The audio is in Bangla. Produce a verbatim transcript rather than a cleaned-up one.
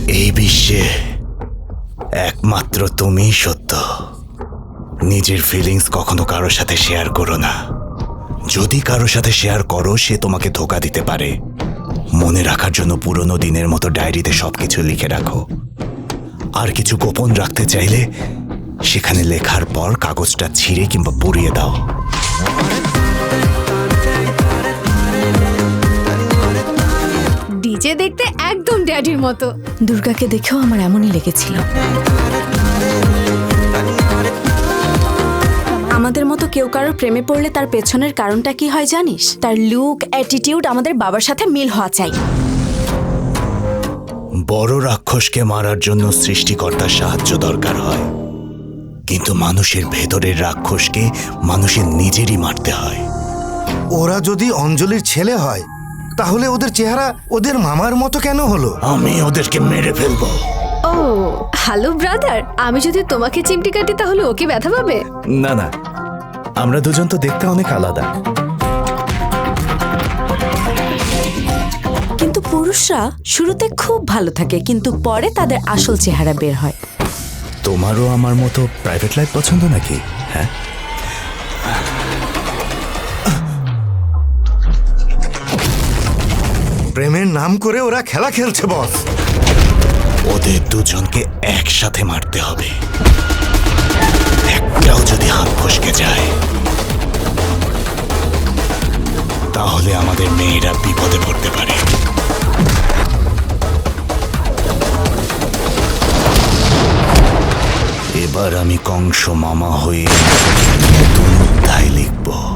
এই বিশ্বে একমাত্র তুমিই সত্য। নিজের ফিলিংস কখনো কারোর সাথে শেয়ার করো না। যদি কারোর সাথে শেয়ার করো, সে তোমাকে ধোঁকা দিতে পারে। মনে রাখার জন্য পুরনো দিনের মতো ডায়েরিতে সবকিছু লিখে রাখো। আর কিছু গোপন রাখতে চাইলে সেখানে লেখার পর কাগজটা ছিঁড়ে কিংবা পুড়িয়ে দাও। ডিজে দেখতে একদম ড্যাডির মতো। দুর্গাকে দেখেও আমার এমনই লেগেছিল। আমাদের মতো কেউ কারোর প্রেমে পড়লে তার পেছনের কারণটা কি হয় জানিস? তার লুক, অ্যাটিটিউড আমাদের বাবার সাথে মিল হওয়া চাই। বড় রাক্ষসকে মারার জন্য সৃষ্টিকর্তার সাহায্য দরকার হয়, কিন্তু মানুষের ভেতরের রাক্ষসকে মানুষের নিজেরই মারতে হয়। ওরা যদি অঞ্জলির ছেলে হয়, তাহলে ওদের চেহারা ওদের মামার মতো কেন হলো? আমি ওদেরকে মেরে ফেলবো। ও হ্যালো ব্রাদার, আমি যদি তোমাকে চিমটি কাটি তাহলে ওকে ব্যথা পাবে? না না, আমরা দুজন তো দেখতে অনেক আলাদা। কিন্তু পুরুষরা শুরুতে খুব ভালো থাকে, কিন্তু পরে তাদের আসল চেহারা বের হয়। তোমারও আমার মতো প্রাইভেট লাইফ পছন্দ নাকি? হ্যাঁ, প্রেমের নাম করে ওরা খেলা খেলছে বস। ওদের দুজনকে একসাথে মারতে হবে। একটাও যদি হাত ফসকে যায়, তাহলে আমাদের মেয়েরা বিপদে পড়তে পারে। এবার আমি কংস মামা হয়ে নতুন অধ্যায় লিখব।